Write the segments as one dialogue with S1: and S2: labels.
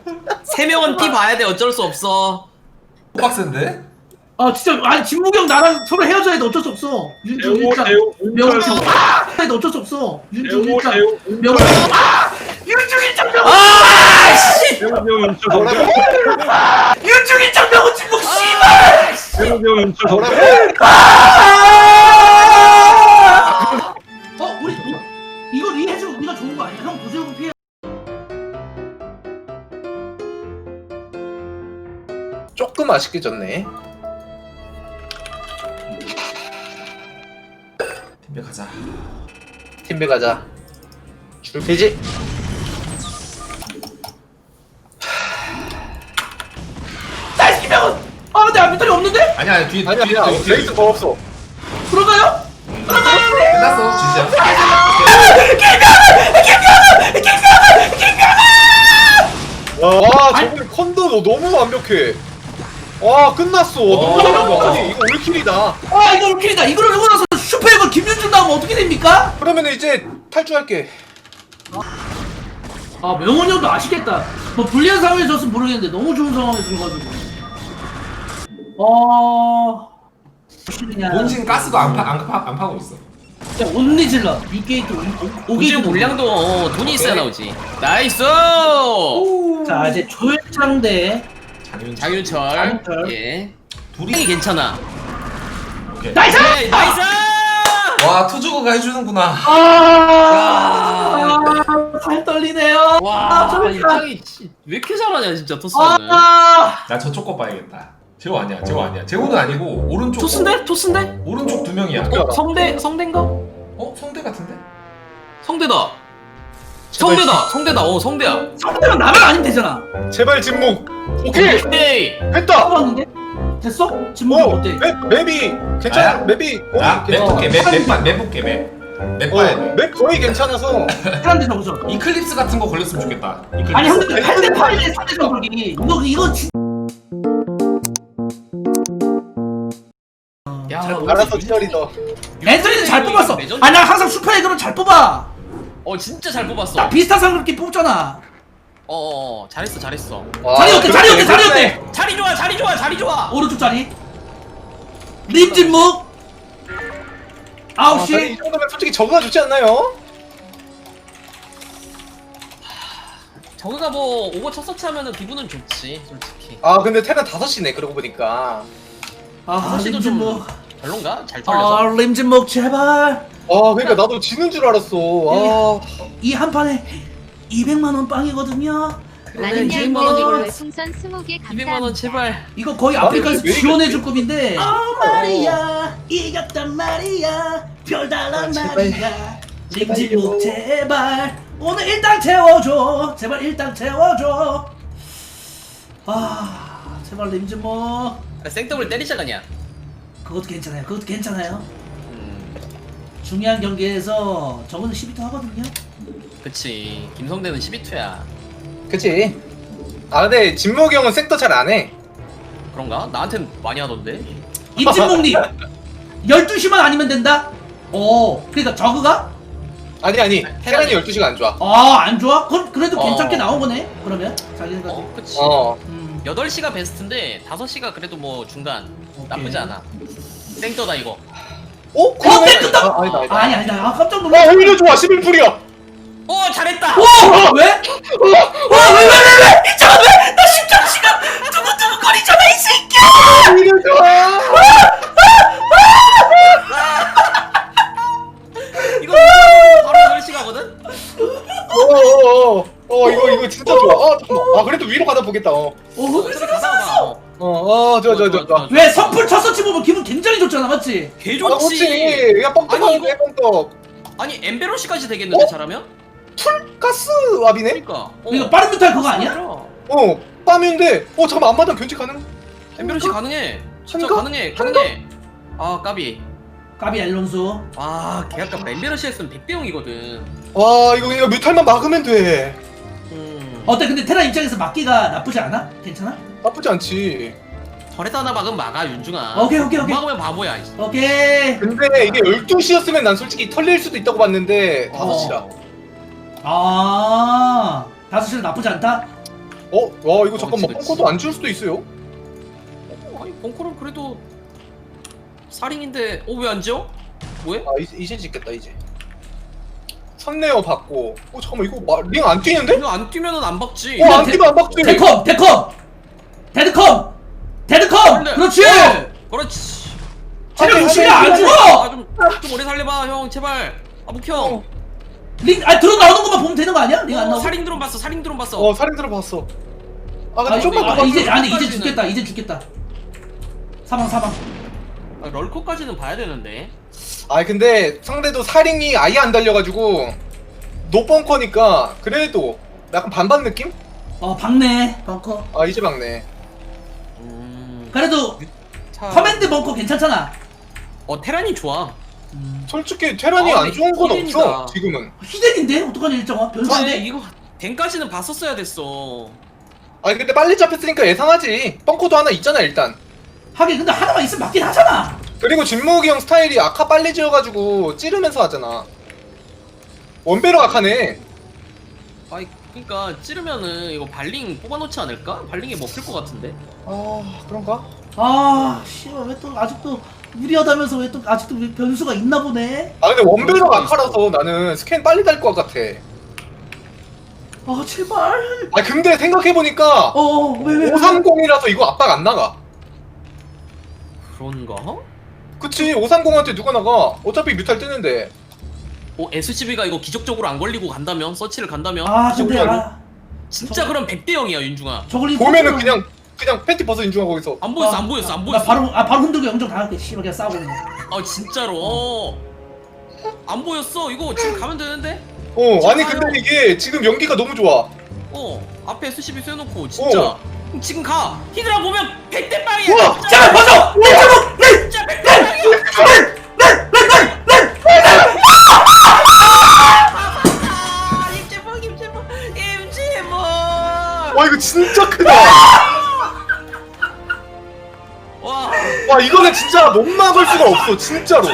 S1: 세 명은 피 봐야 돼. 어쩔 수 없어.
S2: 빡센데?
S3: 아 진짜 아니 진묵이 형 나랑 서로 헤어져야 돼. 어쩔 수 없어. 윤중 일장 명중 해야 돼. 어쩔 수 없어. 윤중 일장 명중 윤중 일장 명중
S1: 아씨.
S3: 윤중 일장 명중 진묵 씨발 우리 이거 리해주고 우리가 좋은 거 아니야? 형 도시오고 피해.
S4: 조금 아쉽게 졌네.
S2: 팀배 가자.
S4: 팀배 가자. 줄피지?
S3: 나이스 명은 내 앞미터리 없는데?
S2: 아니야 뒤에
S4: 아니야
S2: 뒤에
S4: 아니야
S2: 뒤에
S4: 레이스 더 없어.
S3: 들어가요?
S2: 끝났어 진짜.
S4: 와 저번에 컨도 너 너무 완벽해. 와 끝났어. 너무 완벽하니 이거 올킬이다.
S3: 이거 올킬이다. 이거를 누고 나서 슈퍼에버 김윤준 나오면 어떻게 됩니까?
S4: 그러면 이제 탈주할게.
S3: 명훈이 형도 아쉽겠다. 뭐 불리한 상황에 졌으면 모르겠는데 너무 좋은 상황에 들어가지고.
S2: 본진 가스도 안 파고 있어.
S3: 진짜 온리 질러. 6게이트, 5게이트.
S1: 우주 물량도 돈이 있어야 나오지. 나이스.
S3: 자 이제 조일창 대
S1: 장윤철.
S3: 장윤철.
S1: 예.
S2: 둘이
S1: 괜찮아.
S2: 오케이.
S3: 나이스!
S1: 네, 나이스.
S2: 와 투주거가 해주는구나.
S3: 살 떨리네요.
S1: 와,
S3: 조일창.
S1: 이장이 왜 이렇게 잘하냐 진짜 토스는.
S2: 나 저쪽 거 봐야겠다. 재호 아니야. 재호 아니야. 재호는 아니고 오른쪽.
S1: 토스인데? 토스인데?
S2: 오른쪽 두 명이야.
S1: 성대인가?
S2: 성대 같은데?
S1: 성대다.
S4: 제발
S1: 성대다. 성대다. 성대야.
S3: 성대가 나만 아니면 되잖아.
S4: 제발 진목. 오케이
S1: 오케이.
S4: 했다.
S3: 뽑았는데? 됐어? 진묵이 어때?
S4: 맵이 괜찮아.
S2: 나야?
S4: 맵이
S2: 나 맵 볼게. 맵 볼게. 맵 봐야 돼.
S4: 맵 거의 괜찮아서.
S3: 사람들 적으죠.
S2: 이클립스 같은 거 걸렸으면 좋겠다. 이클립스.
S3: 아니 형들 8대 8대 3대 전적이 이거 진.
S1: 야,
S4: 알아서 기다리더.
S3: 앤서니는 잘 뽑았어.
S1: 레전드.
S3: 아니 나 항상 슈퍼에그는 잘 뽑아.
S1: 진짜 잘 뽑았어.
S3: 나 비슷한 상그렇게 뽑잖아.
S1: 잘했어.
S3: 자리 어때? 자리 어때? 자리 어때?
S1: 자리 좋아.
S3: 오른쪽 자리. 림진묵.
S4: 이
S3: 9시.
S4: 정도면 솔직히 저거가 좋지 않나요?
S1: 저거가 뭐 오버 첫 서치 하면은 기분은 좋지, 솔직히.
S4: 근데 테란 5시네 그러고 보니까.
S1: 사실도 좀
S3: 림진묵.
S1: 별론가? 잘 털려서.
S3: 림진묵 제발.
S4: 그러니까 나도 지는 줄 알았어.
S3: 이 한 판에 200만 원 빵이거든요.
S5: 많은 양
S1: 200만 원이고.
S5: 별풍선 20개 감사합니다.
S1: 200만 원 제발.
S3: 이거 거의
S4: 아니,
S3: 아프리카에서
S4: 왜
S3: 지원해줄 급인데. 말이야 이겼단 말이야 별달란 말이야. 림진묵 제발 오늘 일당 채워줘. 제발 일당 채워줘. 제발 림진묵.
S1: 생더블 때리자 그냥.
S3: 그것도 괜찮아요. 중요한 경기에서 저거는 12터 하거든요.
S1: 그치. 김성대는 12투야.
S4: 그치. 근데 진목이 형은 섹터 잘 안 해.
S1: 그런가? 나한텐 많이 하던데.
S3: 임진묵님 12시만 아니면 된다? 그러니까 저그가?
S4: 아니 테란이 12시가 안 좋아.
S3: 안 좋아? 그래도
S1: 어.
S3: 괜찮게 나온 거네 그러면 자기네까지.
S1: 그치. 8시가 베스트인데 5시가 그래도 뭐 중간. 나쁘지 않아. 생더다 이거.
S3: 땡겼다!
S4: 아니다.
S3: 아니다 깜짝 놀랐어.
S4: 오히려 좋아. 11풀이야.
S1: 잘했다!
S3: 왜? 왜? 이참에 왜? 나 심장 지금 두근두근거리잖아 이 새끼야!
S4: 오히려 좋아.
S1: 이거 바로 8시가거든?
S4: 이거 진짜 좋아. 잠깐만. 그래도 위로 가다 보겠다.
S1: 저기 가다가 봐.
S4: 좋아.
S3: 왜 선풀 첫 서치 보면 기분 굉장히 좋잖아 맞지?
S1: 개
S4: 그렇지.
S1: 좋지!
S4: 야 뻥떡하는데 뻥떡.
S1: 아니 엠베로시까지 되겠는데 잘하면?
S4: 가스 왑이네.
S1: 그니까
S3: 이거 빠른 뮤탈 그거 아니야?
S4: 빰인데. 잠깐만 앞마당 견제 가능?
S1: 엠베로시 가능해. 진짜
S4: 한가?
S1: 가능해. 까비.
S3: 까비 앨런수.
S1: 걔 아까 엠베로시 했으면 100대 0이거든.
S4: 이거 그냥 뮤탈만 막으면 돼.
S3: 어때 근데 테라 입장에서 막기가 나쁘지 않아? 괜찮아?
S4: 나쁘지 않지.
S1: 털에다 하나 막으면 막아 윤중아.
S3: 오케이.
S1: 못 막으면 바보야.
S3: 오케이.
S4: 근데 이게 12시였으면 난 솔직히 털릴 수도 있다고 봤는데 5시라.
S3: 5시는 나쁘지 않다?
S4: 와 이거 잠깐만
S1: 그치.
S4: 펑커도 안 지울 수도 있어요.
S1: 아니 벙커는 그래도 살인인데 왜 안 지어? 뭐해?
S4: 아 이제 짓겠다 이제. 선레어 받고. 잠깐만 이거 링 안 뛰는데?
S1: 이거 안 뛰면은 안 박지.
S4: 안 뛰면 안 박지.
S3: 데컴 데드컴
S1: 원래-
S3: 그렇지.
S1: 그렇지.
S3: 체력
S4: 아니,
S3: 60이 안
S4: 아니,
S3: 죽어.
S1: 좀 오래 살려봐 형 제발. 묵형.
S3: 들어 나오는 것만 보면 되는 거 아니야? 링 안 나오고.
S1: 살인 드론 봤어.
S4: 살인 들어봤어. 근데 좀만 더
S3: 이제
S1: 럴커까지는-
S3: 이제 죽겠다. 사망.
S1: 럴커까지는 봐야 되는데.
S4: 근데 상대도 살인이 아예 안 달려가지고 노벙커니까 그래도 약간 반반 느낌?
S3: 박네 벙커.
S4: 이제 막네.
S3: 그래도
S1: 차...
S3: 커맨드 벙커 괜찮잖아.
S1: 테란이 좋아.
S4: 솔직히 테란이
S1: 아,
S4: 안 좋은 건
S1: 히든이다.
S4: 없어 지금은.
S3: 히든인데 어떡하냐 일정아
S1: 근데
S3: 변수인데.
S1: 이거 댕까지는 봤었어야 됐어.
S4: 근데 빨리 잡혔으니까 예상하지. 벙커도 하나 있잖아 일단.
S3: 하긴 근데 하나만 있으면 맞긴 하잖아.
S4: 그리고 진무기 형 스타일이 아카 빨리 지어가지고 찌르면서 하잖아. 원배로 아카네.
S1: 아이 그러니까 찌르면은 이거 발링 뽑아놓지 않을까? 발링이 먹힐 것 같은데.
S4: 그런가?
S3: 씨발 왜 또 아직도 무리하다면서 왜 또 아직도 변수가 있나 보네.
S4: 근데 원배로 아카라서 나는 스캔 빨리 달 것 같아.
S3: 제발.
S4: 근데 생각해보니까
S3: 왜?
S4: 530이라서 이거 압박 안 나가.
S1: 그런가?
S4: 그치 530한테 누가 나가. 어차피 뮤탈 뜨는데.
S1: SCB가 이거 기적적으로 안 걸리고 간다면? 서치를 간다면?
S3: 근데
S1: 진짜 그럼 100대 0이야 윤중아.
S3: 저걸링
S4: 보면은 그냥 팬티 벗어 인중아 거기서.
S1: 안 보였어.
S3: 나 바로 흔들고 영정 당할게. 씨발 그냥 싸우고 있네.
S1: 진짜로. 안 보였어. 이거 지금 가면 되는데?
S4: 아니 근데 이게 지금 연기가 너무 좋아.
S1: 앞에 SCB 쐬놓고 진짜. 지금 가. 히드라 보면 100대 빵이야.
S3: 제발 벗어.
S1: 진짜 100대 빵이야. 임재범.
S4: 와 이거 진짜 크다.
S1: 와.
S4: 이거는 진짜 못 막을 수가 없어 진짜로.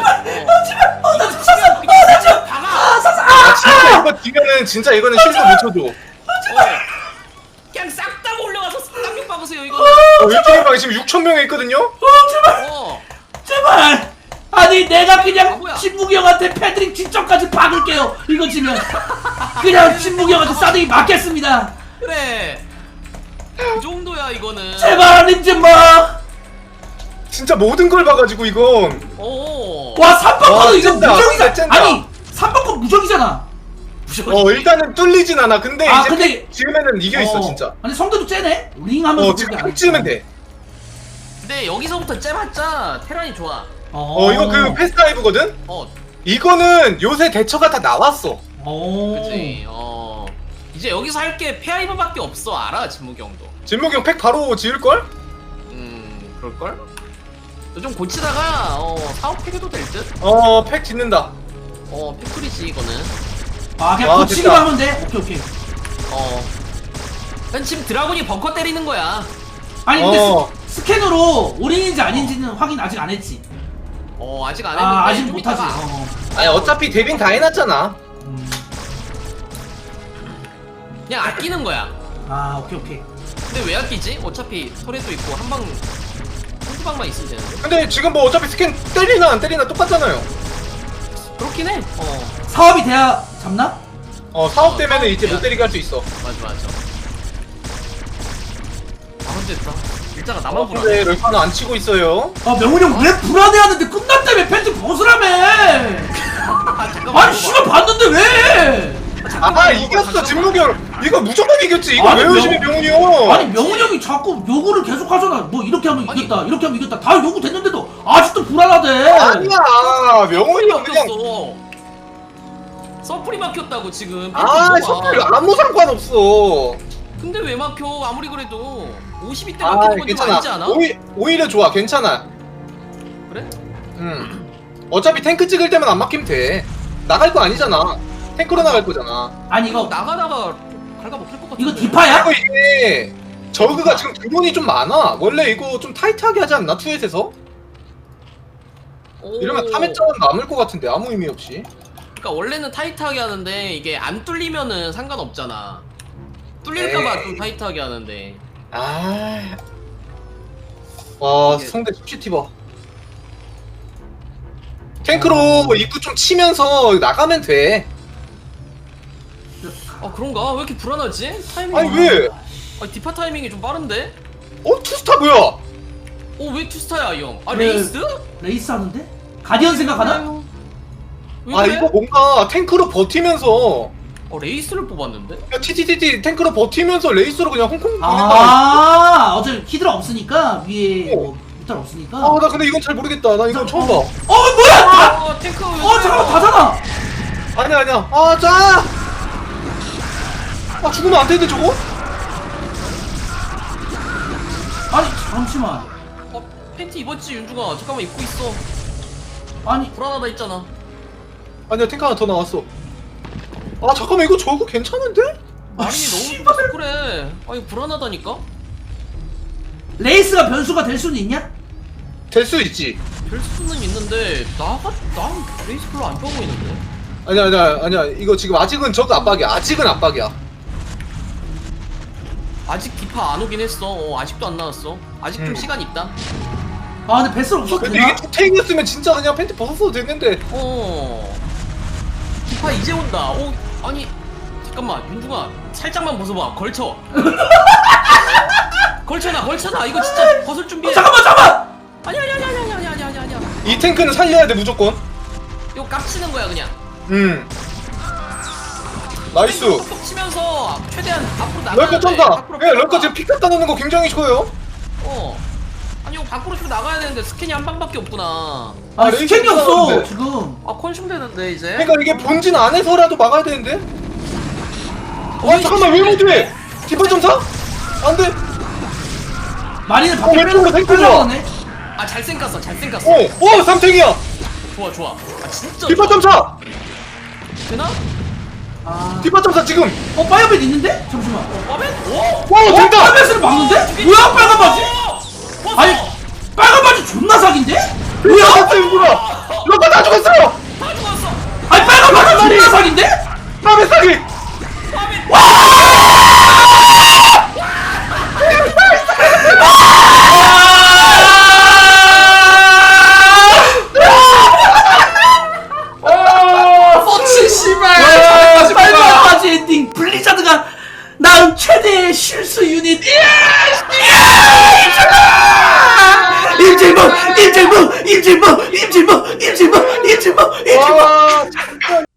S4: 진짜 이거 뒤면은 진짜 이거는 실수 못 쳐줘.
S1: 그냥 싹 다 올려가서 쌍욕 박으세요 이거.
S4: 일주일방에 지금 6,000명이 있거든요.
S3: 제발. 아니 내가 그냥
S1: 뭐야?
S3: 진무기 형한테 패드릭 직접까지 박을게요. 이거 지면 그냥 진무기 형한테 싸대기 맞겠습니다.
S1: 그래. 그 정도야 이거는.
S3: 제발 림좀마.
S4: 진짜 모든 걸 봐가지고 이건.
S3: 와 3번커도 이거
S4: 찐다.
S3: 무적이잖아.
S4: 찐다.
S3: 아니 3번커 무적이잖아.
S4: 일단은 뚫리진 않아. 근데 이제
S3: 근데
S4: 지으면은 이겨 있어 진짜.
S3: 아니 성대도 째네. 링 하면서
S4: 지금 딱 지으면 돼.
S1: 근데 여기서부터 째봤자 테란이 좋아.
S4: 이거 그 패스타이브거든. 이거는 요새 대처가 다 나왔어.
S1: 그치. 이제 여기서 할 게 페아이버밖에 없어. 알아 진무기 형도.
S4: 진목이 형 팩 바로 지을 걸?
S1: 그럴걸? 좀 고치다가 사업팩해도 될 듯?
S4: 팩 짓는다.
S1: 팩토리지 이거는.
S3: 그냥 고치기만
S4: 됐다.
S3: 하면 돼. 오케이.
S1: 난 지금 드라군이 벙커 때리는 거야.
S3: 아니 근데 스캔으로 올인인지 아닌지는 확인 아직 안 했지.
S1: 아직 안 했는데.
S3: 아직
S1: 좀
S3: 못하지.
S1: 이따가.
S4: 아니 어차피 데빈 다 해놨잖아.
S1: 그냥 아끼는 거야.
S3: 오케이.
S1: 근데 왜 아끼지? 어차피 소래도 있고 한두 방만 있으면 되는데.
S4: 근데 지금 뭐 어차피 스캔 때리나 안 때리나 똑같잖아요.
S1: 그렇긴 해.
S3: 사업이 돼야 잡나?
S4: 사업 되면은 이제
S1: 사업
S4: 못 때리게 할 수 있어.
S1: 맞아. 됐다. 일자가 나만 불안해.
S4: 근데 럴파는 안 치고 있어요.
S3: 명훈이 형 왜 불안해하는데 끝났다며 팬티 벗으라며.
S1: 잠깐만.
S3: 아니 씨발 봤는데 왜?
S4: 이겼어 진무기 형. 이거 무조건 이겼지. 이거
S3: 아니,
S4: 왜 의심해 명훈이 형?
S3: 아니 명훈이 형이 자꾸 요구를 계속 하잖아. 뭐 이렇게 하면 이겼다, 이렇게 하면 이겼다. 다 요구 됐는데도 아직도 불안하대.
S4: 아니야 명훈이 형 그냥.
S1: 서플이 막혔다고 지금.
S4: 서플 아무 상관없어.
S1: 근데 왜 막혀? 아무리 그래도 52대 막히는 건 좀 아니지 않아?
S4: 오히려 좋아. 괜찮아.
S1: 그래?
S4: 어차피 탱크 찍을 때만 안 막히면 돼. 나갈 거 아니잖아. 탱크로 나갈 거잖아.
S3: 아니 이거
S1: 나가다가 갉아먹힐 것 같은데.
S3: 이거 디파야?
S4: 그리고 이게 저그가 지금 드론이 좀 많아. 원래 이거 좀 타이트하게 하지 않나? 투엣에서? 이러면 탐했자는 남을 것 같은데 아무 의미 없이.
S1: 그러니까 원래는 타이트하게 하는데 이게 안 뚫리면은 상관없잖아. 뚫릴까봐 윤중아 좀 타이트하게 하는데.
S4: 상대 CCTV 탱크로 입구 좀 치면서 나가면 돼.
S1: 아 그런가? 왜 이렇게 불안하지? 타이밍.
S4: 아니 왜?
S1: 아니 디파 타이밍이 좀 빠른데?
S4: 투스타 뭐야?
S1: 왜 투스타야 이 형? 아
S3: 네.
S1: 레이스?
S3: 레이스 하는데? 가디언 생각하나?
S1: 왜 그래?
S4: 이거 뭔가 탱크로 버티면서
S1: 레이스를 뽑았는데?
S4: TTTT 탱크로 버티면서 레이스로 그냥 홍콩 보낸다.
S3: 어차피 히드라 없으니까 위에 뭐 무탈 없으니까.
S4: 나 근데 이건 잘 모르겠다. 나 이건 처음 봐.
S3: 뭐야?
S1: 탱크.
S3: 잠깐만 다잖아.
S4: 아니야. 죽으면 안 되는데 저거?
S3: 아니 잠시만.
S1: 팬티 입었지 윤중아. 잠깐만 입고 있어.
S3: 아니
S1: 불안하다 했잖아.
S4: 아니야 탱크 하나 더 나왔어. 잠깐만 이거 저거 괜찮은데?
S1: 마린이 너무 좋아서 그래. 아니 불안하다니까?
S3: 레이스가 변수가 될 수는 있냐?
S4: 될 수 있지.
S1: 별 수는 있는데 난 레이스 별로 안 좋아 보이는데.
S4: 아니야. 이거 지금 아직은 저거 압박이야. 아직은 압박이야.
S1: 아직 디파 안 오긴 했어. 아직도 안 나왔어. 아직 좀 시간 있다.
S3: 근데 베슬 없어도
S4: 근데
S3: 되나?
S4: 이게 투탱이었으면 진짜 그냥 팬티 벗었어도 됐는데.
S1: 디파 이제 온다. 아니 잠깐만 윤중아 살짝만 벗어봐. 걸쳐. 걸쳐놔. 이거 진짜 벗을 준비해.
S3: 잠깐만.
S1: 아니야.
S4: 이 탱크는 살려야 돼 무조건.
S1: 이거 깝치는 거야 그냥.
S4: 나이스.
S1: 톡톡 치면서 최대한 앞으로 나가야
S4: 럴커
S1: 돼.
S4: 쩐다.
S1: 밖으로
S4: 예, 럴커
S1: 펴봐.
S4: 지금 픽 갖다 놓는 거 굉장히 좋아요.
S1: 아니 이거 밖으로 쭉 나가야 되는데 스캔이 한 방밖에 없구나.
S3: 스캔이 없어
S4: 나왔는데.
S3: 지금.
S1: 컨슘 되는데 이제.
S4: 그러니까 이게 본진 안에서라도 막아야 되는데. 잠깐만 왜 못해? 디파 점사? 안 돼.
S3: 마리는 밖에
S4: 왼쪽으로 탱크 좋아.
S3: 빼려네.
S1: 잘생 깠어.
S4: 삼탱이야.
S1: 좋아. 진짜.
S4: 디파
S1: 좋아.
S4: 점사.
S1: 되나?
S4: 디파 점사 지금.
S3: 파이어벳 있는데? 잠시만.
S1: 빠벤?
S4: 된다.
S3: 파이어벳을 막는데? 뭐야 빨간 바지? 아니 빨간 바지 존나 사기인데? 뭐야?
S4: 럴커 다 죽었어요.
S1: 다 죽었어.
S3: 아니 빨간 바지 존나 사기인데?
S4: 밤에 사기.
S3: 펀치 씨발. 빨간 바지 엔딩 블리자드가 낳은 최대의 실수 유닛. 임질모.
S4: 와, 진짜.